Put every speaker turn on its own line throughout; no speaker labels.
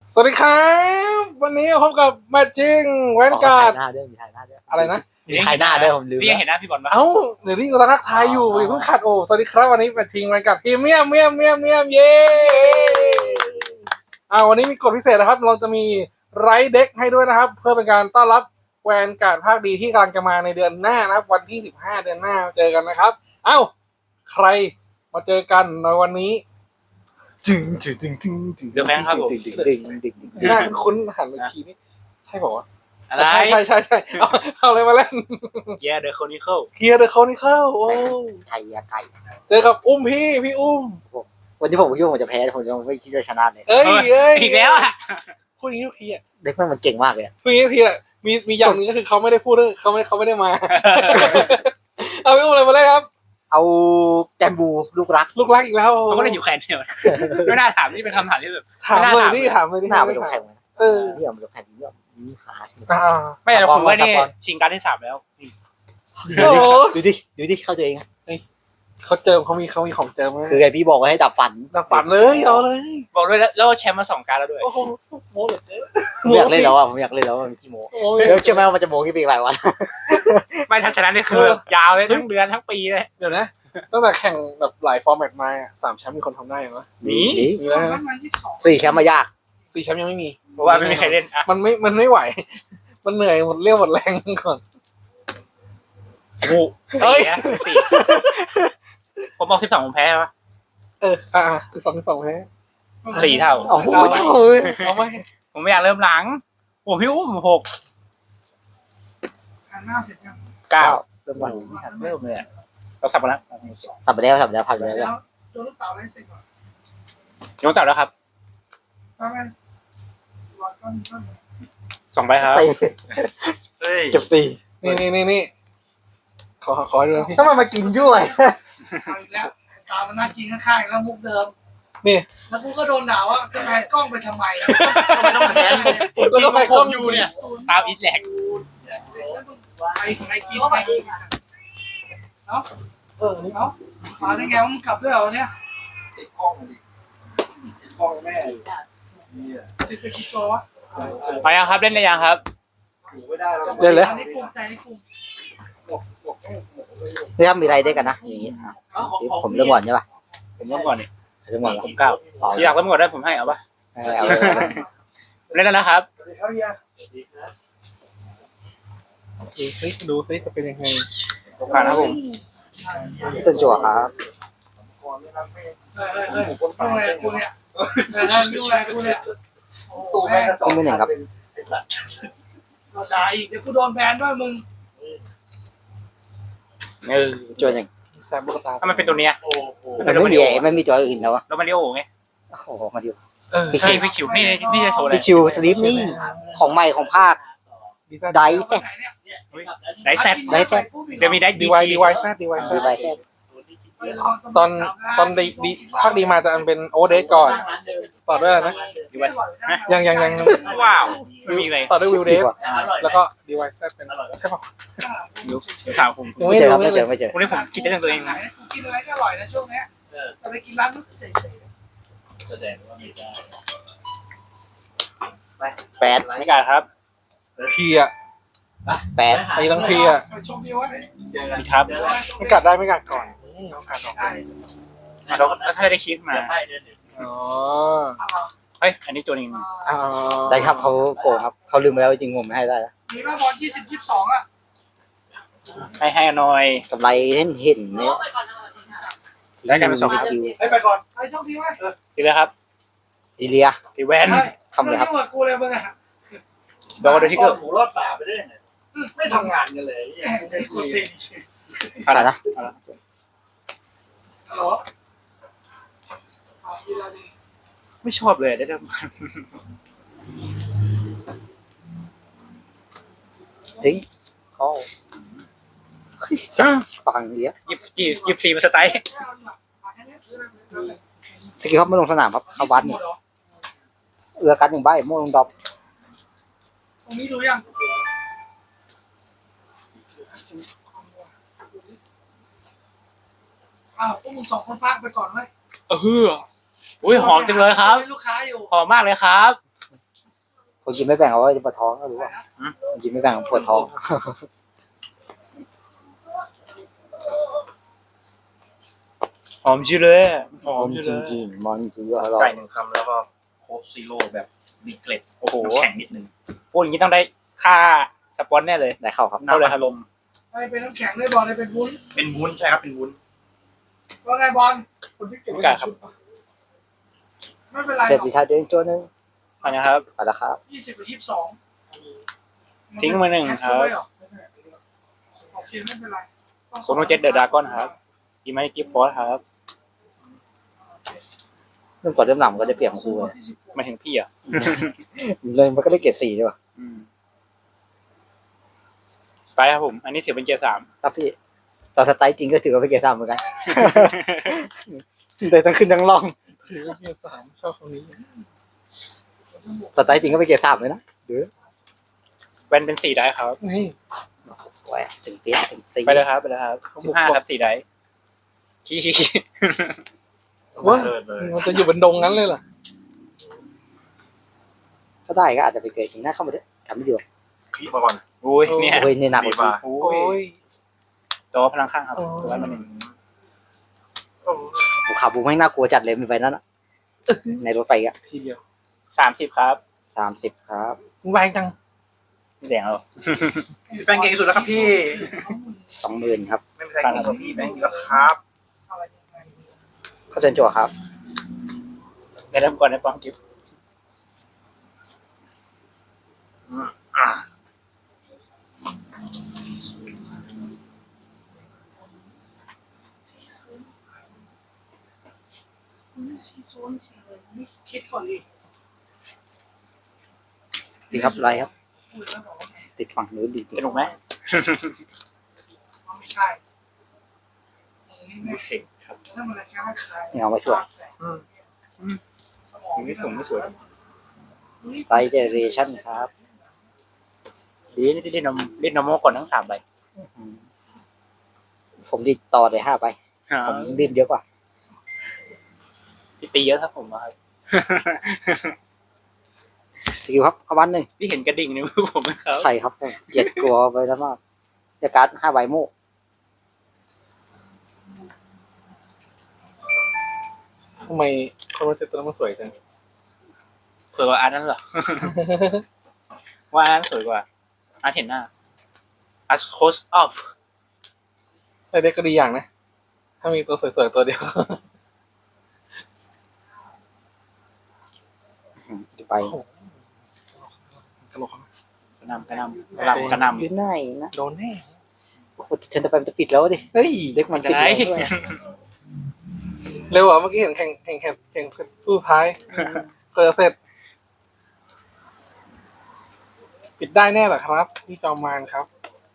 สวัสดีครับวันนี้พบกับแมทชิ่งแวนการ์ด
มีถ่ายหน้าด้วยมีถ่ายหน้าด้วย
อะไรนะ
มีถ่ายหน้าด้วยผมลืม
พี่ยังเห็นหน้าพี่บอลปะ
เอ้าเดี๋ยวนี้กำลังทักทายอยู่อย่าเพิ่งขัดโอ้สวัสดีครับวันนี้แมทชิ่งแวนการ์ดพรีเมียมเย้วันนี้มีกฎพิเศษนะครับเราจะมีไรเด็กให้ด้วยนะครับเพื่อเป็นการต้อนรับแวนการ์ดภาคดีที่กำลังจะมาในเดือนหน้านะครับวันที่15เดือนหน้าเจอกันนะครับใครมาเจอกันในวันนี้จึง
เดี๋ยวแฟนครับผม
ดึง
หน้าคุ้นหันไปทีนี้ใช่ป่าวะ
อะไร
ใช่เอาอะไรมาเล่น
เกียร์เดอะโคนิเคิล
เคลียร์เดอะเขานี่เข้าโอ้
ไก่ไก่
เจอกับอุ้มพี่อุ้ม
วันที่ผมคิดว่าผมจะแพ้ผมยังไม่คิดว่าชนะเลย
เอ้ย
อีกแล้วอ่ะ
พูดอย่างนี้ทุกทีอ่ะ
เด็กมันเก่งมากเลย
พูดอย่างนี้ทุกทีอ่ะมีอย่างหนึงก็คือเขาไม่ได้พูดด้วยเขาไม่ได้มา เอาพี่อุ้มอะไรมาเล่นครับ
เอาแกมบูลูกรัก
ลูกรักอีกแล้ว
เขาก็ได้อยู่แคนเดียวไม่น่าถามนี่เป็นคำถามที่แบบ
ถามเลย
ไม่น่าถาม
นี่ถามเลยนี่
หน้าไปลงแข่ง
เออ
ที่เอาไปลงแข่งนี่มีหา
ไม่แต่ผมว่านี่ชิงการที่3แล้ว
โอ้
ดูดิเข้าตัวเอง
เขาเจิมเขามีของเจิมไหม
คือไงพี่บอกว่าให้ดับฝัน
ดับฝันเลยเอาเลย
บอกด้วยแล้วแชมป์มา2การแล้วด้วย
โอ้โหโม้เหลือเกิน
ผมอยากเล่นแล้วอ่ะผมอยากเล่นแล้วมันขี้โม้
โอ้ย
แล้วเชื่อไหมว่ามันจะโม้กี่ปีหลายวัน
ไม่ทันชนะนี่คือยาวเลยทั้งเดือนทั้งปีเลย
เดี๋ยวนะตั้งแต่แข่งแบบหลายฟอร์แมตมา3แชมป์มีคนทำได้ยังวะ
มี
มีแล้วนะ
4 แชมป์มายาก
4แชมป์ยังไม่มี
เพราะว่าไม่มีใครเล่นอ่ะ
มันไม่ไหว มันเหนื่อยหมดเรี่ยวหมดแรงก่อน
โอ้4นะ4ผมบอก12ผมแพ้ปะ
12แพ้
4เท่า
โอ้โห
เอาไหม
ผมไม่อยากเริ่มหลังโอ้พี่อุ้ม6 9
เริ่มวัน
เริ่มเลยเราสับกันแล้ว
สับไปแล้วผ่านไปแล้ว
โดนลูกเต๋าไล่เสร็จก่อน
ยกจับแล้วครับ
ไปไหมรอต้น
2ใบครับ
เก็บ4
นี่ขอดูนะพี่
ทำไมมากินด้วย
เอาอีกแล้วตามมันน่ากินข้างๆแล้วมุกเดิม
นี่
แล้วกูก็โดนด่าว่าจะแพนกล้องไปทำไม
ต้องแพน
แล้วก็ไปกล้องอยู่เนี่ย
ตามอีทแลก
ไปกินไปกินเนาะเนาะมาได้ไงว่ามึงกลับด้วยเหรอเนี่ย
ติดกล้องดิติดกล้องแม่อยู่เนี่ย
ติดไปกี่ตัววะ
ไปยังครับเล่นได้ยังครับ
อยู่ไม่ได้แล้ว
เล่นเลย
อันนี้ภูมิใจนี่ภูมิ
นี่ครับมีอะไรได้กันนะอย่างนี้ผมเริ่มก่อนใช่ป่ะ
ผมเริ่มก่อนนี่
เริ่มก่อนแล้ว
ผม9ที่อยากเริ่มก่อนได้ผมให้เอาปะ
เอา
เล่นแล้วนะครับ
ครับเฮีย
ดูซิจะเป็นยังไง
ผ่านครับผม
ต้นจั่วครับ
ยุ่งอะไรกูเนี่ยยุ่งอะไรกูเนี่ย
ตู้แม่กระจกไอ้สัตว์
ด่าอีกเดี๋ยวกูโดนแบนด้วยมึง
จั่วหนึ่ง
แซมลูกตา
ถ้ามันเป็นตัวเนี้ย
โอ้โห
มันไม่มีจั่วอื่นแล้ววะ
โรมาริโอไง
โอ้โหมาดู
ใช่พี่ชิวนี่จะโชว์อะไร
พี่ชิวสลิปนี่ของใหม่ของภาคไดแซด
ไดแซด
ไดแซด
เดี๋ยวมีได
ดี
ดี
วาย
ที
ดีวายแซด
ดีไดแซด
ตอนดีภาคดีมาจะเป็นโอเดสก่อนต่อด้วยอะไรนะ
ดีไวนะ
ยัง
ว้าวไม่มีเลย
ต่อด้วยวิวเดสแล้วก็ดีวายแซดเป็นใช่ป่ะ
ถามผม
ไม่เจอครับไม่เจอ
วันนี้ผมคิดได้เรื่องตัวเองนะ
กินอะไรก็อร่อยนะช่วงเนี้ยแต่ไปกินร้านนู้นเฉย
แสดงว่าไม่ได้
8
ไม่กล้าครับ
พีอ่ะ
8
ไอ้ทั้งพีอ่ะ
ๆไปชมวิววะ
ดีครับ
ไม่กัดได้ไม่กัดก่อนเอากัดออก
แล้วถ้าได้คิดมา
อ๋อ
เฮ้ยอันนี้ตัวนึง
ได้ครับเขาโกงครับเขาลืมไปแล้วจริงผมไม่ให้ได้แล้ว
มีก็บอล20-22อ่ะ
ให้หน่อย
กำไรเห็นเนี่ย
ได้กันเป็น2ครับ
ให้ไปก่อน
ไปโชคดีวะ
ดีเลยครับ
อีเลีย
ดีแวน
ทำเลยครับ
ยุ่งกับกูเลยมึงอ่ะ
โดนด้วยที่เกิด
หูรอดตาไปได้ไงไม่ทำงานกันเลย
ใส่นะ
ฮัลโหล
ไม่ชอบเลยได้
ทิ้งเขาฟังเยอะ
หยิบ4มาสไตล์
สกิลครับไม่ลงสนามครับเข้าวัดเอือกัน1 ใบโม่ลงดรอป
ตรงนี้ดูยังพวกมึง2 คนพักไปก่อนเว้ย
อุ้ยหอมจังเลยครับ
ลูกค้าอยู่
หอมมากเลยครับ
คนกินไม่แบ่งเอาไว้จะปวดท้องก็รู้ว่าคนกินไม่แบ่งปวดท้อง
หอมชื่อเลยหอม
จ
ชื่อเลย
ริงๆมันคืออร่อ
ไก่
ย
หนึ่งคำแล้วก็โค้กซีโร่แบบมีเกล็ดโอ้โหแข็งนิดนึงพูดอย่างนี้ต้องได้ค่าสปอนแน่เลย
ได้เข้าครับ
เท่าเลยฮะลม
ไอ้เป็นน้ำแข็งเลยบอลไอ้เป็นวุ้น
เป็นวุ้นใช่ครับเป็นวุ้น
ว่าไงบอลคนที่เก็บไว้ในชุดปะไม่เป็นไร
เสร็จ
หร
ดี
อก
ท้ายเดินโจ้นึง
อันนะครับ
ไปแล้วครับ
20 หรือ 22
ทิ้งมาหนึ่งครับ
โอเคไม่เป็นไร
โซโนเจ็ตเดอะดากอนครับอีไมกิฟฟอร์ครับ
เริ่มก่อนเริ่มหลังก็จะเปลี่ยนของกูเลย
มาถึงพี่อ่ะ
เลยมันก็ได้เกรด4ด้วยว่ะ
ไปครับผม อันนี้ถือเป็นเกียร์ 3
ครับพี่ตอนสไตล์จริงก็ถือว่าเป็นเกรด3เหมือนกัน แต่ทั้งขึ้นทั้งล่อง
ถือว่าเกียร์สามชอบคำนี้
สไตล์จริงก็เป็นเกรด3เลยนะหรือ
แวนเป็น4ได้ครับ
นี่
แหวะถึงเตี้ยถึงตี
ไปเลยครับไปเลยครับ15ครับ4ได้ขี้
ว่ามันจะอยู่บนดงนั้นเลยเหรอ
ถ้าได้ก็อาจจะไปเกิดจริงนะเข้ามาด้วยทำไม่ดีกว่า
ขี้มาก่อน
อุ้ยเนี่ย
โอ้ยเนี่ยหนักก
ดี
ว่า
มา
โอ้
โอ้
ย
ย
จอพลังข้างครับร้อยมาหนึ่ง
ผมขับบูไม่น่ากลัวจัดเลยมีไฟนั้นอะในรถไปอ่ะ
ทีเดียว
30ครับ
30ครับ
แรงจัง
ไม่แดงหรอ
แฟนเก่งที่สุดแล้วครับพี่
20,000ครับ
ไม่มีใครเก่งกว่าพี่แฟนแล้วครับ
เข้าเชิญจั่วครับ
ได้เริ่มก่อนในปองกิฟต์
คิดก่อนดิ
ดีครับไรครับ ติดฝั่งนู้นดีจริง
สนุกไหม
ไม่ใช่ไม่
เก่ง
ถ้ามันแค่ไม่ใช่
นี่เอาไว้ช่วย
สมอง
ไม่สวยไม่สวย
ไซเดเรชั่นครับ
ดีนี่ที่เล่นนอร์มอลก่อนทั้ง3 ใบ
อืมผมดีต่อเลย5ไปผมรีบเยอะกว่า
พี่ตีเยอะครับผมครับ
สกิลครับเข้าบ้านหนึ่ง
พี่เห็นกระดิ่งในมือผมไหมครับ
ใช่ครับเกลียดกลัวไปแล้วมากเดี๋ยวการ์ด5ใบโม่
ทำไมคนว่าเจ็ดตัวนั้นมันสวยจัง
สวยกว่าอันนั้นเหรอ ว่าอันนั้นสวยกว่าอันเห็นหน้า As Cost of
แต่เด็กก็ดีอย่างนะ ถ้ามีตัวสวยๆตัวเดียว
ไป
กระโหลก
กระนำกระนำ
อยู่ไหนนะ
โดนแน่
โอ้โหเทนจะไปมันจะปิดแล้วดิ
เฮ้ย
เด็กมัน
จะ
ปิด
ไหน
แล้วด้วย
เร็วอ่ะเมื่อกี้เห็นแข่งสู้ท้ายเกิดเสร็จ ปิดได้แน่เหรอครับพี่จอมมานครับ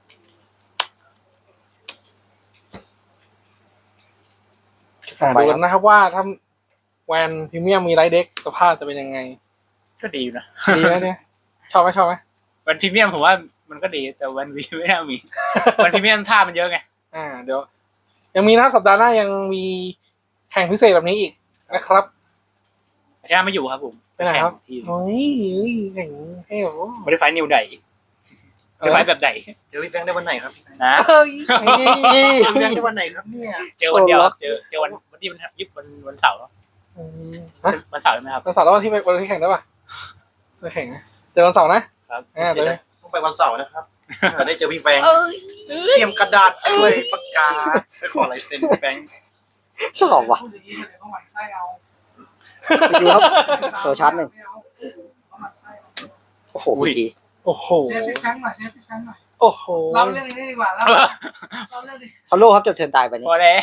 ดูกันนะครับว่าถ้าแวนพรีเมียมมีไรเด็กสภาพจะเป็นยังไง
ก็ดีอยู่นะ
ดีไหมเนี่ย ชอบไหม
วันพรีเมียมผมว่ามันก็ดีแต่วันวีไม่น่ามี วันพรีเมียมท่ามันเยอะไง
เดี๋ยว ยังมีนะสัปดาห์หน้ายังมีแข่งพิเศษแบบนี้อีกนะครับ
อาจารย์ไม่อยู่ครับผม
ไปไหนครับ
แข่งที่
เฮ้ยแข่งให้โอ้
ไม่ได้ไฟนิวใดไม่ได้ไฟแบบใด
เจอพี่แฟนได้วันไหนครับพี่
นะ
เฮ้ย
เจอพี่แฟนได้วันไหนครับเนี่ย
เจอวันเดียว
โซนล็อก
เจอวันที่มันยึดวันเสาร์
ฮะ
วันเสาร์ใช่ไหมครับ
วันเสาร์แล้ววันที่แข่งได้ป่ะไปแข่งนะเจอวันเสาร์นะครับ เดี๋ยว
ต้องไปวันเสาร์นะครับจะได้เจอพี่แฟนเตรียมกระดาษด้วยปากกาไปขอลายเซ็นพี่แฟน
ชอบว่ะ
พูดอย่างนี้เลยต้องหมั่นไส้เอา
ไปดูครับ ตัวชาร์จหนึ่ง
เอาหมั่นไส้เอา
โอ้โหเมื่อกี้
โอ้โห
เซฟพี่ครั้งหน่อยเซฟพี่ครั้งหน่อย
โอ้โห
เล่าเรื่องนี้ดีกว่าเล่าเรื่องนี้
ฮัลโหลครับจบเทิร์นตายไปนี่
พอแล้ว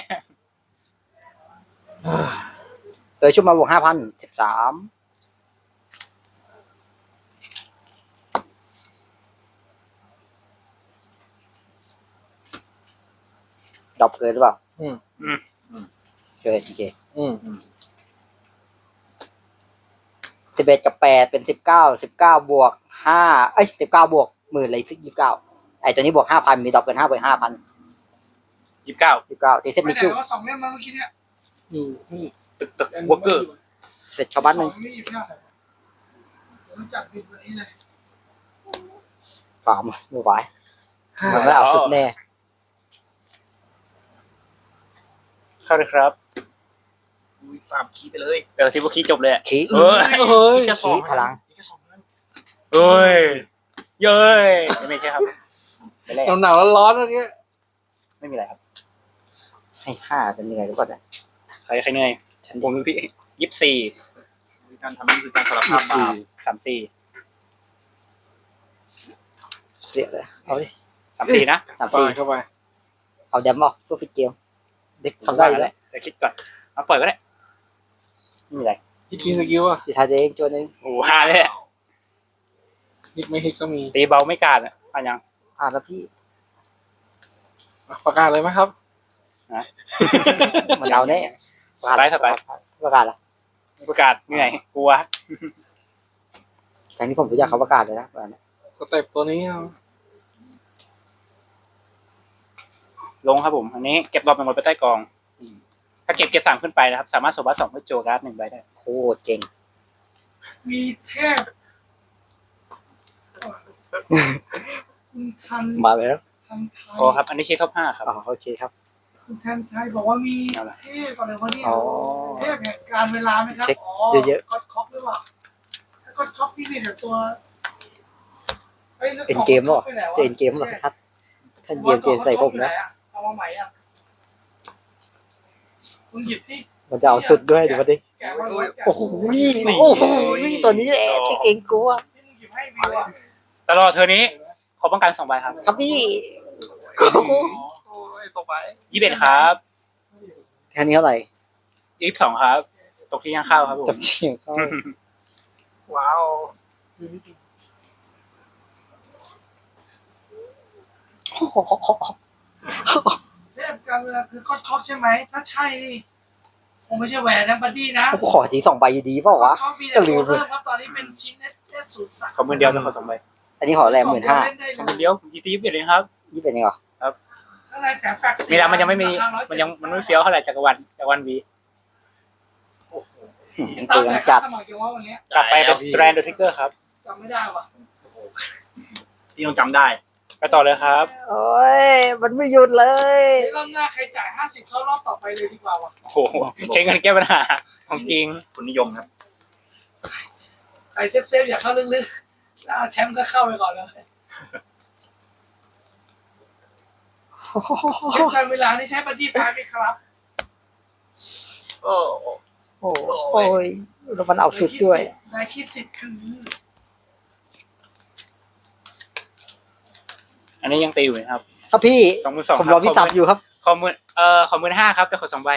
โดยชุดมาบวก5,013ดรอปเกินหรือเปล่าเกินโอเค
อืม
11กับ8เป็น19บวก519บวก10,000เลย29ไอ้ตัวนี้บวก 5,000 มีดรอปเกิน5บวก 5,000
29
ตีเซ็ต
ไม่
มิ
ได้
จู
ว่า2 เล่มมาเมื่อกี้เนี่ย
อยู่นี่
ตึกวอร์เกอร์
เสร็จชาวบ้านหนึ่ง
ไม่หยิบไม่ได้รู้จักบินวันนี้เลย
ฟาร์มไม่ไหวมันไม่เอาสุดแน่
เข้าเลยครับ
อุ้ย3 คีย์ไปเลย
เดี๋ยวที่พวกขี้จบเลยอะ
ขี้
เฮ้ย
เฮ้ย
แค่สอง
ขี้พลัง
แค่สองนั้น
เอ้ยเย้ยไม่ใช่ครับไม่แรก
หนาวๆร้อนๆเมื่อกี้
ไม่มีอะไรครับ
ให้5เป็นยังไงรู้ป่ะเนี่ย
ใครเหนื่อยผมเป็นพี่24
การทำนี่คือการสารภาพบาป
34
เสียเลยเอาดิ
34นะ
ไปเข้าไป
เอาแดมออกเพื่อพิจิวเด็กทำได้อยู่แล้ว
เดี๋ยวคิดก่อนเอาปล่อยก็ได้ไม่มีอะไร
ฮิตมีสกิลอ่ะ
ที่ทายเองตัวนึง
โอ้ฮาเลยอะ
ฮิตไม่ฮิตก็มี
ตีเบาไม่กาดอ่ะอ่ะยัง
แล้วพี่
ประกาศเลยไหมครับ
มันเอาแน่ประกาศละ
ประกาศเหนื่อยกลัว
แต่นี่ผมรู้จักเขาประกาศเลยนะแบบนี้
สเต็ปตัวนี้เอา
ลงครับผมอันนี้เก็บดอกเป็นหมดไปใต้กองถ้าเก็บเกียร์3ขึ้นไปนะครับสามารถโซบัส2เพื่อโจการ์ด1ใบได้
โคตรเจ๋ง
มีเทพคุณทัน
มาแล้ว
ทันไทย
พอครับอันนี้เช็คท็อป5ครับ
โอเคครับ
คุณทันไทยบอกว่ามี
เอาล่ะ
เทพอะไรวะเนี่ย
อ๋อ
เทพแห่งการเวลาไหมครับ
เช็ค
อ๋อ
เยอะๆ
ก็อดคอกหรือเปล่าถ้าก็อดคอกพี่มีแต่ตัวฮ้ยแล้ว
เอ็นเกมหรอ
ไปไหนวะ
จะเอ็นเกมหรอทัดท่านเกมใส่ผมนะ
เอามาใหม่อ่ะคุณหยิบที่
มันจะเอาสุดด้วยดูมาดิ
แกะมาเลยแกะ
โอ้โหโอ้โหตัวนี้แหละที่เก่งกูอะ
ที่มึงหยิบให้วิวอ่ะ
ตลอดเทอร์นี้ขอป้องกัน2ใบครับ
ครับพี่
โอ้ยต่อไป
21ครับ
แค่นี้เท่าไหร่
22ครับตกที่ย่างข้าวครับผม
จับเฉียงเข้า
ว้าว
เทพการเวลาคือก็อดคอกใช่ไหมถ้าใช่นี่คงไม่ใช่แหวนนะบัดดี้นะ
กูขอที2 ใบอยู่ดีเปล่าวะ
ก็อดคอกมีแต่ตัวเริ่มครับตอนนี้เป็นชิ้นเอสศูนย์สาม
ขอมือเดียวจะขอ2ใบ
อันนี้ขอแรง15,000
เล่นได้
ขอ
เล
มือย เดียวผมตี21เลยครับ
ยี่เป็นยังไง
ข้างในแถมแฟกซ์
มีแล้วมันยังไม่มีมันไม่เฟี้ยวเท่าไหร่จักรวาลวี
เตือนจัด
สมัครยังว่าวันนี้
กลับไปเป็นสแตรนด์ทิกเกอร์ครับ
จำไม่ได้ว่ะ
พี่ต้องจำได้
ไปต่อเลยครับ
โอ้ยมันไม่หยุดเลย
รอบหน้าใครจ่าย50เข้ารอบต่อไปเลยดีกว่าว่ะ
โอ้โหใช้เงินแก้ปัญหาของจริง
คุณนิยมครับ
ใครเซฟอย่าเข้าลึกๆแล้วแชมป์ก็เข้าไปก่อนเลยเช็คการเวลานี่ใช้บัดดี้ไฟไหมครับ
โอ้
โอ้ยแล้วมันเอาสุดด้วย
นายคิดสิทธิ์คือ
อันนี้ยังตีอยู่นะครับ
ครับพี่
22,000
ผมรอพี่ตับอยู่ครับ
ขอ15,000ครับแต่ขอ2ใบ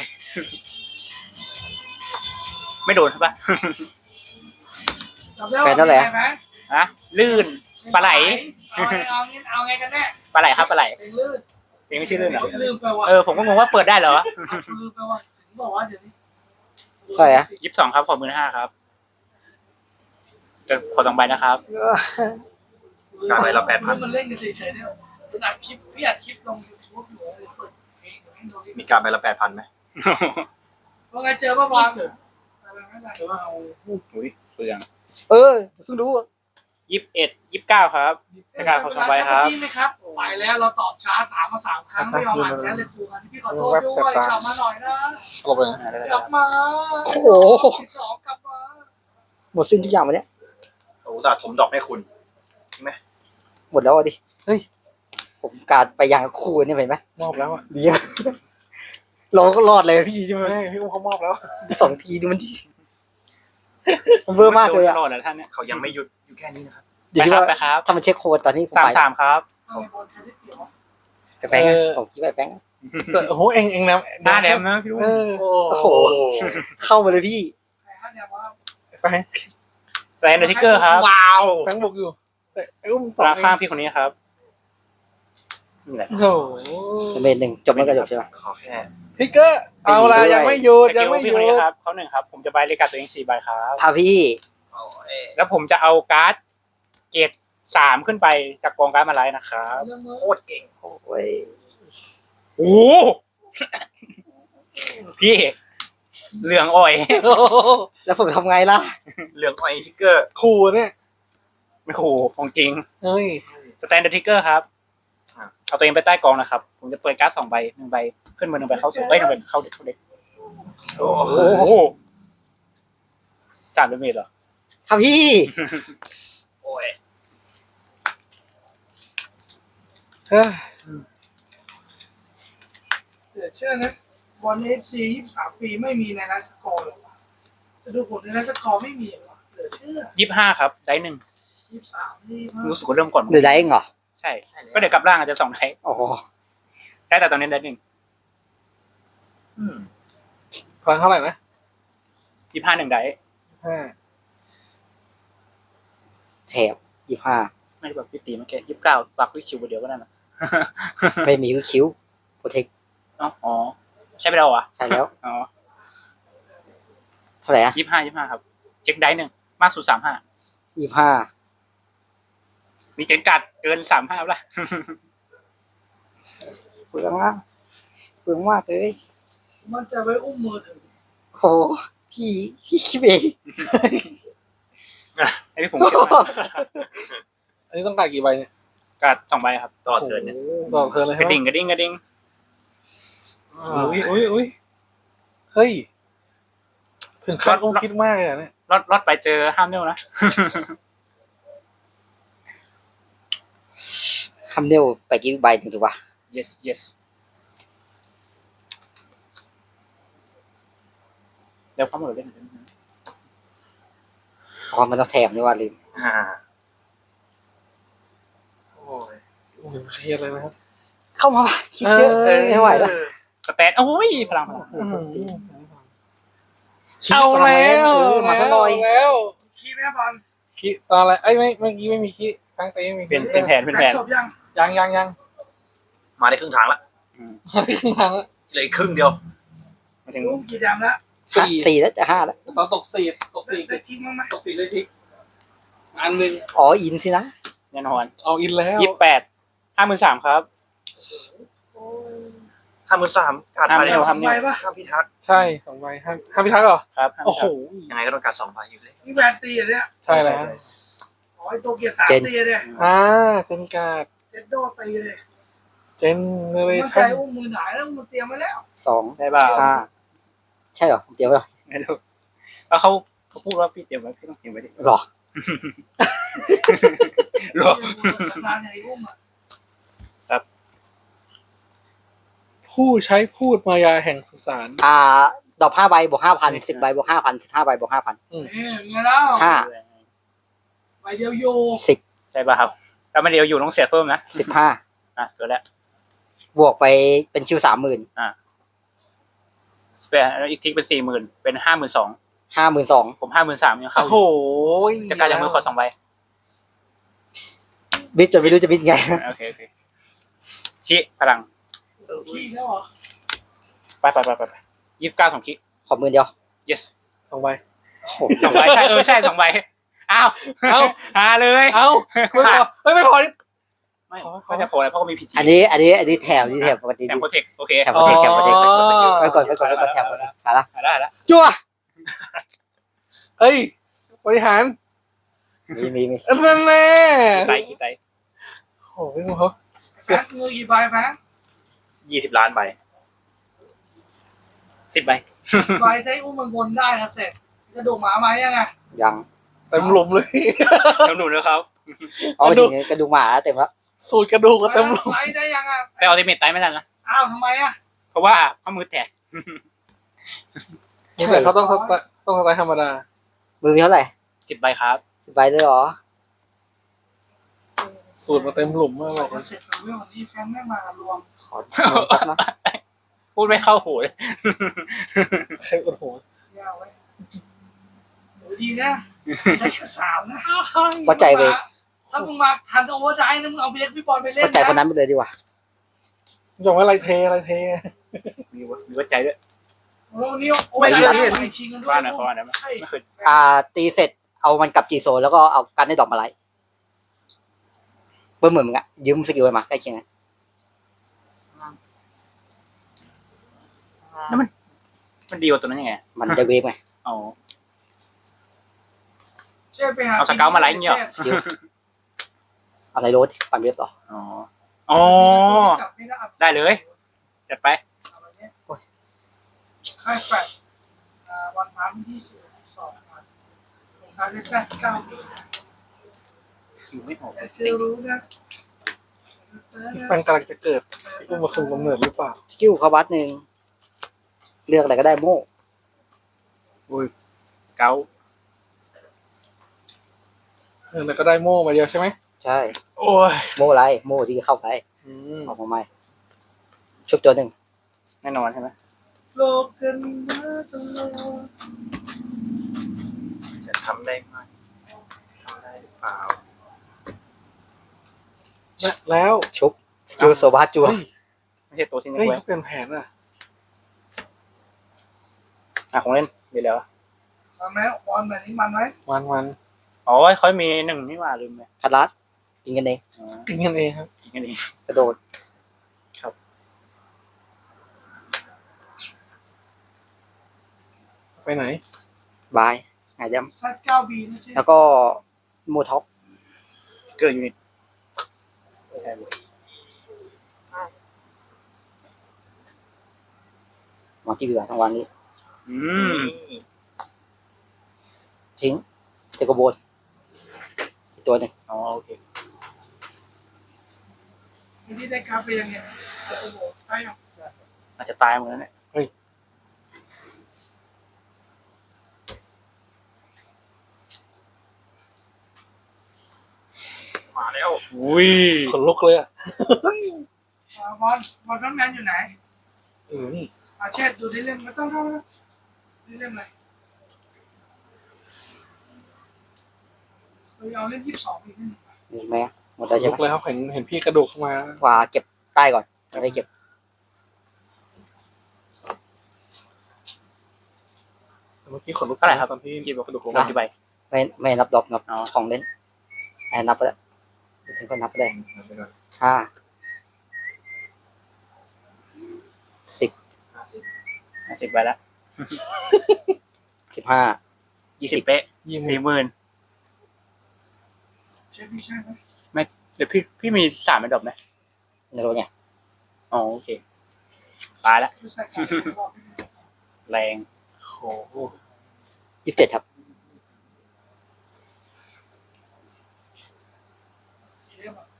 ไม่โดนใช่ปะ
จำได้ว่าเป็นไงไหม
ฮะลื่นปลาไหล
เอาไงกันแน่
ปลาไหลครับปลาไหล
เป็นลื่น
เพลงไม่ชื่อลื่นเหรอ
ลืมไปว่ะ
ผมก็งงว่าเปิดได้เหรอ
ลืมไปว่ะถึงบอกว่าเดี๋ยวนี้
ใช่อะ
22ครับขอ15,000ครับจะขอ2ใบนะครับ
การใบละ8,000
มันเล่นกันเฉยๆเนี่ยเป็นอัดคลิปพี่อัดคลิปลง YouTube อยู่เลยเปิดเพลงให้ดู
มีการใบละ8,000ไหม
ว่าไงเจอป่ะบอลอะไรไม่ได้หรือว่าเอา
อุ้ยเปลือง
เออเพิ่งรู้อะ
29ครับ ประกาศขอ2ใบครับ
พี่ไหมครับไปแล้วเราตอบช้าถามมา3 ครั้งไม่ยอมอ่านแชทเลยครูกันพี่ขอโทษด้วยกลับมาหน่อยนะ
หลบไปนะ
กลับมา
โอ้โห
ที่สองกลับมา
หมดสิ้นทุกอย่างวันเนี้ย
โอ้ตาถมดอกให้คุณ
หมดแล้วอ่ะดิเฮ้ยผมการไปยังคู่นี่เห็นไหม
มอบแล้วอ่ะ
ดีอะเราก็รอดเลยพี่ใช่ไหม
ไม่พี่อุ้มเขามอบแล้ว
2 ทีดูมันดีมันเบอร์มากเลยอะ
โดนแล้วท่านเนี่ย
เขายังไม่หยุดอยู่แค่นี้นะครับ
อยู่
ไป
ที่
ครับ
ว่า
ไปครับ
ถ้ามันเช็คโค้ดตอนนี้ผมไป
33ครับ
เอาบอลใช้ได้เปรียบวะ
ไปแป้งอะผมคิดไปแป้งอะ
โอ้โหเองนะ
หน้าแดมนะพี่ลูก
เออ
โอ้โห เข้ามาเลยพี่
ใครฮะเนี่ยว่า
แฟง
แซนเดอร์ทิกเกอร์ครับ
ว้าว
แฟงบอกอยู่แต่ไอ้อุ้มสอง
ราข้างพี่คนนี้ครับนี่แหละ
โอ้โห
เมน1จบแล้วก็จบใช่ไหม
ขอแค่
ทิกเกอร์เอาละยังไม่หยุด
ส
ยั
กิ
ง
ล
ไม่ห
พี่
ยุ
คน
ด
นี้ครับเขา1ครับ ผมจะใบเลกาตัวเอง4ใบครับ
ถ้าพี่
โอ้ย
แล้วผมจะเอาการ์ดเกรด3ขึ้นไปจากกองการ์ดมาไลน์นะครับ
เรื่องมือ
โคตรเก่ง
โอ้ย
โอ้พี่เหลืองอ่อย
โอ้โห
แล้วผมทำไงล่ะ
เหลืองไอทิกเกอร์
ขู่เนี่ย
ไม่โหของจริง
เฮ้ย
สแตนเดอร์ทิกเกอร์ครับเอาตัวเองไปใต้กองนะครับ ผมจะเปิดการ์ด2 ใบ1 ใบขึ้นมือ1 ใบเข้าสู่1 ใบเข้าเด็ก
โอ้
โอ้โห3 ดาเมจเหรอ
ครับพี่
โอ้ย
เฮ้ย
เดี๋ยวเชื่อนะบอลFC 23 ปีไม่มีในไลฟ์สกอร์หรอวะจะดูผลในไลฟ์สกอร์ไม่มีเหรอเดี๋ยวเชื่อ
25ครับได้1
23นี่มาก
รู้สึกว่าเริ่มก่อน
หรือได้เองเหรอ
ใช่ก็เดี๋ยวกลับร่างอาจจะ2 ได้
โอ้โห
ได้แต่ตอนนี้ได้1
พลังเท่าไหร่นะ
25 1 ได้
ห้า
แถบ25
ไม่แบบพี่ตีเมื่อกี้29ปักวิคิวเดียวก็ได้นะ
ไม่มีคิ้วโปรเทค
อ๋อใช่ไปแล้วเหรอ
ใช่แล้ว
อ๋อ
เท่าไหร่อะ
25ครับเช็คได้1มากสุด35
25
มีเจ็ดกัดเกิน35ป่ะ
เปลืองมากเปลืองมากเลย
มันจะไว้อุ้มมือถือ
โอ้พี่คิดเอง
ไอ้พี่ผมเก็บมา
อันนี้ต้องการกี่ใบเนี่ย
กัด2 ใบครับ
ต่อเทิร์นเนี่ย
โอ้โหต่อเทิร์นเลย
ก
ใช่
ระ
ไหม
ดิ่งกระดิ่งกระดิ่ง
อุ้ยเฮ้ย ถึงขั้นต้องคิดมากเลยอะเนี่ย
รอดไปเจอห้ามเนวนะ
ทำเนวไปกี่ใบถึงถูกปะ
yes yes เดี๋ยวเข้ามาเล่น
อ๋อมันต้องแถบนี่ว่าลืม
โอ้ย
โอ้โหเครียดเลยนะครับ
เข้ามาปะคิดเยอะไม่ไหวแล้ว
สแตนโอ้ยพลัง
เอาแล้ว
มาซะหน่อย
แล้ว
คีย์แม่บอล
คิดตอนอะไรเอ้ยไม่เมื่อกี้ไม่มีคิดครั้งเต้ไม่มี
เป็นแผน
จบยัง
ยัง
มาได้ครึ่งทางละ
ทางละ
เหลืออีกครึ่งเดียว
มาถึง
อุ้มกี่ดำแล้ว
4
แล้วจะ5แล้ว
ตอนตก4
ได้ทิ้งมั้งไหม
ตก4เลยทิกอันหนึ่ง
อ๋ออินสินะ
แน่นอน
เอาอินแล้ว
28 53ครับ
53การ
ห้าม
มา
เร็
แล้ว ว
ห้าม
ไปปะ
ห้ามพิทักษ์
ใช่2 ใบห้าพิทักษ์เหรอ
ครับ
โอ้โห
ยังไงก็ต้องการ2 ใบอยู่เลย
นี่แวนตีอ่ะเนี่ย
ใช่แล้ว
อ๋อไอโตเกียว3ตีเนี่ย
เจนการ์ด
เจนโดตีเลย
เจนเนเร
มันใจ
ชั่น
อุ้มมือหนาแล้วมันเตรียมไว้แล้ว
2
ได้เปล่า
5ใช่เหรอเดี๋ยวเหรอ
ไม่รู้แล้วเขาพูดว่าพี่เตรียมไว้พี่ต้องเตรียมไว้ดิ
หรอ
หรอ
สัปดาห์ไหนอุ้มอ่ะ
ผู้ใช้พูดมายาแห่งสุสาน
ดอก5 ใบบวก 5,000 10 ใบบวก 5,000 15 ใบบวก 5,000
นี่ไงแล้ว
5
ใบเดียวอยู่
10
ใช่ป่ะครับแล้วมันเดียวอยู่ต้องเสียเพิ่มนะ
15
เกิดแล้ว
บวกไปเป็นชิว
อีกทีเป็น40,000เป็น52,000
52,000
ผม53,000ยังเข้า
โอ้
อ
โห
ยู่จะการจากมือขอ2 ใบ
บิดจนไม่รู้จะบิดไง
โอเคคิพลัง
ขี้แล้วเหรอ
ไป29ของคิ
ขอมือเดียว
yes
2 ใบ
โอ้โห
2 ใบใช่ใช่2 ใบอ้าวหาเลย
เอ้าไม่พอเฮ้ยไม่พอนี่
ไม่ก็จะโผล่แล้วเพราะเขามีพีจี
อันนี้แถบปกติ
แถมโปรเทคโอเค
แถบโปรเทคไปก่อนแถบโปรเทคหาละ
ได้ละ
จั่ว
เฮ้ยบริหาร
มี
นั่นแน่
คิดไต
โอ้โหพี่หมูเขา
แพ้มือกี่ใบแพ้
20 ล้านใบ
10 ใบ
ใบใช้อุ้มมันบนได้ครับเสร็จกระดูกหมาไหมยังไง
ยัง
เต็มหลุมเลย
แล้วหนูนะครับ
เอาถึงกระดูกหมาเต็มแล้ว
สูตรกระดูกก็เต็มหลุม
ไลได้ยังอ่ะ
แต่อัลติเมทไตไม่ทันนะ
อ้าวทำไมอ่ะ
เพราะว่าข้อมือแตก
แต่เขาต้องสไตล์ธรรมดา
มือมีเท่าไหร่
10 ใบครับ
10 ใบด้วยเหรอ
สูตรมาเต็มหลุมมาก
บ
เล
อกว่าย เสร็จแล้วเว้ยวันนี้แฟนไม่มารวม
ขอแป๊บนะ
พูดไม่เข้าหูเลย
ใครโอ้โห
ยาวไว้ดีนะได้แค่3นะ
วัดใจไป
ถ้ามึงมาทันโอเวอร์ไดนะมึงเอาไปเล็กพี่บอลไปเล่น
วัดใจคนนั้นไปเลยดีกว่า
บอกว่าอะไรเท
มีวัดใจด้วย
โอ้นี่โอ้ยไปชิงกันด้วย
ว่าหน่อยเพราะว่านะไม่เคย
ตีเสร็จเอามันกลับจีโซนแล้วก็เอากันได้ดอกมาไล่เพิ่มเหมือนมึงอะยืมสกิลมาใกล้เคียงกัน
มันดีกว่าตัวนั้นยังไง
มันได้เวฟไง
อ๋อ
เช่ไปหา
เอาสเกลมาไล่เงี้ย
เดี๋ยวอะไรโรสปั่นเว็บต่อ
อ๋ออ๋อ
จับไม่ได้
ได้เลยจัดไป
ค่ายแฟดวันพันที่12วันของทางได้แท้9ปี
อยู่ไม่ออก
แต่เจ
สิ
อรู้นะ
พี่แฟนกำลังจะเกิดอุ้มมาคุมกำเนิดหรือเปล่า
สกิลเขาวัดหนึ่งเลือกอะไรก็ได้โม่
เก้า
แล้วก็ได้โม่มาเดียวใช่ไหม
ใช่
โอ้ย
โม่อะไรโม่ที่เข้าไป ออกมาใหม่ชุบตัวหนึ่ง
แน่นอนใช่ไหม
โลกกันมาตลอด
จะทำได้ไหมทำได้หรือเปล่า
แล้ว
ชุบสกิลโซบาจัว
ไม่ใช่ตัวที่นี่
เฮ้ย
เว้ย
เขาเปลี่ยนแผนอ่ะ
ของเล่นเดี๋ยวแล้ว
ตอนนี้บอลแบบนี้มันไหม
วัน
อ๋อเขามีหนึ่งนี่หว่าลืมไป
คัดลัดยิงกันเอง
อ๋อ
กินกันเองครับ
กินกันเอง
กระโดด
ไปไหน
บายหายด
ซัด9บีนะใช่
ำแล้วก็โมท็อก
เกิดยูนิตใช่เว้ย
วางที่เหลือทั้งวันนี้
อืม
ทิ้งเตะกระโบนอีกตัวหนึ่ง
อ๋อโอเค
ที่ได้คาเฟ่ยังไงโอ้โหได้ยัง
อาจจะตายเหมือนกันเนี่ย
มาแล้ว
อุ้ย
ขนลุกเลยอ่ะ
บอลน้ำแมนอยู่ไหน
นี่
เช็ดดูได้เล่มไม่ต้องได้เล่มอะไรเราเอาเล่ม22อีกนิด
มีไหมหมดแล้ว
ขน
ใช่
ลุ
ไหม
กเลยครับเห็นพี่กระโดดเข้ามา
ขวาเก็บใต้ก่อนไม่ได้เก็บ
เมื่อกี้ขนลุก
เท่าไหร่ครับ
ตอนที่
กี่บอก
กระโดดลง
ล
มา
กี่ใบ
ไม่นับดอกนับ
อ๋อ
ของเล่นนับไปแล้วถึงก็นับไปได้5 10
50ใบละ
15
20เป๊ะ 40,000
เช็ดพี่ใช่ไหม
เดี๋ยวพี่มี3เป็นดอกไหม
ในรถเนี่ย
อ๋อโอเคตายละ
คือใส่ขา
แรง
โอ้โห
27ครับ
เล่มอ่ะ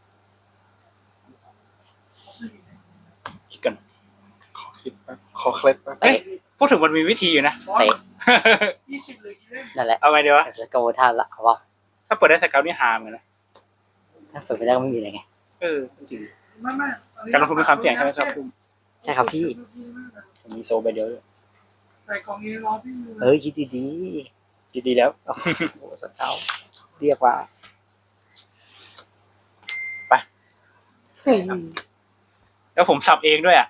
ซื้ออีก
คิดกัน
ขอคิดแป๊บขอเคล็ดแป๊บ
เตะ
พูดถึงมันมีวิธีอยู่นะ
บอล
เตะ
20เลยกี่เล่ม
นั่นแหละ
เอาไงดีวะ
จะโกท่านละเอาว่า
ถ้าเปิดได้สเกลนี่ฮามเลยนะ
ถ้าเปิดไม่ได้ก็ไม่มีอะไรไง
จริง
ไม่
การลงทุนมีความเสี่ยงใช่ไหมครับ
ใช่ครับพี่
ผมมีโซใบเดียวด้วย
ใส่ของเอรอพี่มือ
เฮ้ยคิดดี
ดีๆแล้ว
ๆโอ้โหสเกาเรียกว่า
แล้วผมสับเองด้วยอ่ะ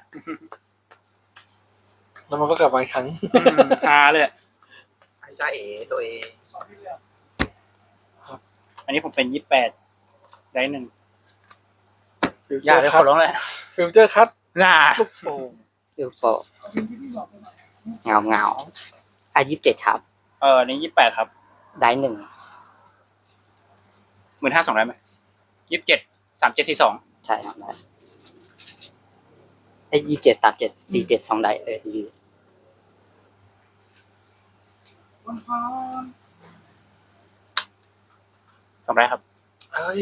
แล้วมันก็กลับมาอีกครั้ง
ฮาเลยอะ
ไอ้จ้าเอ๋ตัวเอง
สอนพี่เรียน
อันนี้ผมเป็น28ได้หนึ่ง
ฟิว
อ
เจ
ย่า
อ
เลย
ร์
ข
คั
อ
ท
ร้องเลย
ฟิวเจอร์คัท
น่า
ลูกโป่ง
เรียกว่า
เอาที่พี่บอกไปหน่อย
เงา27ครับ
อันนี้28ครับ
ได้หนึ่ง
15,200ได้ไหม27 3742
ใช่ครับได้ไอ้27 37 47 2ได้ดี
วันพร
2ได้ครับ
เฮ้ย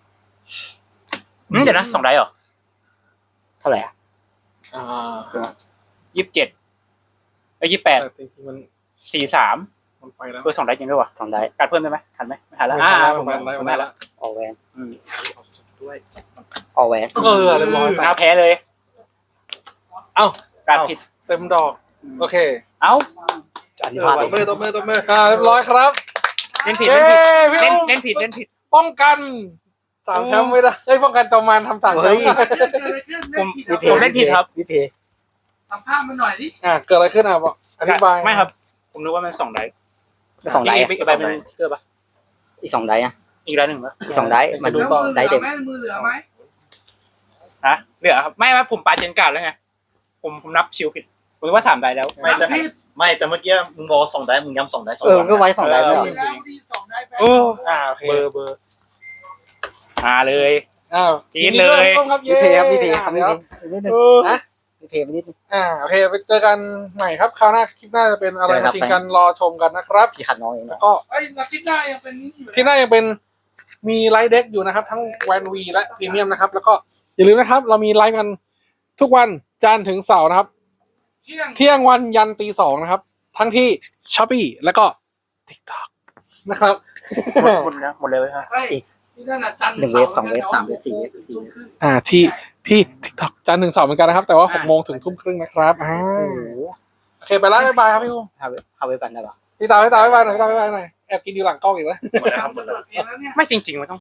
เดี๋ยวนะ2ได้เหรอ
เท่าไหร่อ่ะ
อ่า
27 28
แต่จริงๆมัน
43
มันไปแล้ว
เพิ่ม2ได้จริงด้วยวะ
2ได้
การเพิ่มได้ไหมทันไหมไม่ทันแล้ว
ผม
ผม
ได้
ผม
ได้
ได้
แล้
แล้ว ว
ออแวน
เอาสุดด้วย
ออแวน
เรียบร้อย
น่าแพ้เลย
เอ้า
การผิด
เต็มดอก โอเค
เอ้า
อันนี้พลาด
ตบมือตบมือตบมือ
เรียบร้อยครับ
เล่นผิด
เย้
เล่น
พี่
ผิด
อุ้ม
เล่นผิด
ป้องกัน3 แชมป์ไม่ได้เฮ้ยป้องกันจอมมารทำ3 แชมป์
ผมเล่นผิดครับ
วิเพ
สัมภาษณ์มาหน่อยดิ
เกิดอะไรขึ้นบอกอธิบาย
ไม่ครับ ผมนึกว่ามัน2ได้
2ได้
อีกใบเป็นเกอร์ปะ
อีก2ได้อ่ะ
อีกได้หนึ่งปะ
อีก2ได้มัน
ดูต่อ
ได้เต็ม
มือเหลือไหม
ฮะเหลือครับไม่ผมปาเจนการ์ดแล้วไงผมนับชิวผิดผมนึกว่า3ได้แล้ว
ไม่แต่แต่เมื่อกี้มึงบอกสองได้มึงย้ำสองได้สอง
ก็ไว้2ได้ไม่หรอ
แล้วที่2ได้ไป
โอ้
โอเค
เบอร์มาเลย
อ้าว
กรี๊ดเลย
นดีด้วยครับ
รีเพย์ครับรีเพย์ครับ
เดี๋ยว
นิดนึง
นะ
รีเพย์ไปนิดนึง
โอเคไปเจอกันใหม่ครับคราวหน้าคลิปหน้าจะเป็นอะไร
เจอครั
มา
บ
ชิงกันรอชมกันนะครับ
พี่ขัดน้องเอง
แล้ว
นะ
ก็
ไอ้นาทิตย์หน้ายังเป็นนี่อยู่
ที่หน้ายังเป็นมีไลฟ์เด็กอยู่นะครับ ทั้งแวนวีและพรีเมียมนะครับ แล้วก็อย่าลืมนะครับ เรามีไลฟ์กันทุกวันจันทร์ถึงเสาร์นะครับ เที่ยงวันยันตี 2นะครับ ทั้งที่ Shopee แล้วก็ TikTok นะครับ
หมดแล้วหมดเลยครับ
ไอ้ที่นั่นน่ะจันทร์
1 เวฟ 2 เวฟ 3 เวฟ 4 เวฟ 4 เวฟ
ที่ TikTok จันทร์ถึงเสาร์เหมือนกันนะครับ แต่ว่า6 โมงถึงทุ่มครึ่งนะครับโอเคไปแล้วบ๊ายบายครับพี่ภูมิ
5 เวฟกันได้ปะ
พี่ตาบ๊ายบายหน่อยแอบกินอยู่หลังกล้องอีกแล้ว
หมดแล้วครับหมดแล้ว
เปิดเพลงแล้วเนี่ย
ไม่จริงๆมันต้อง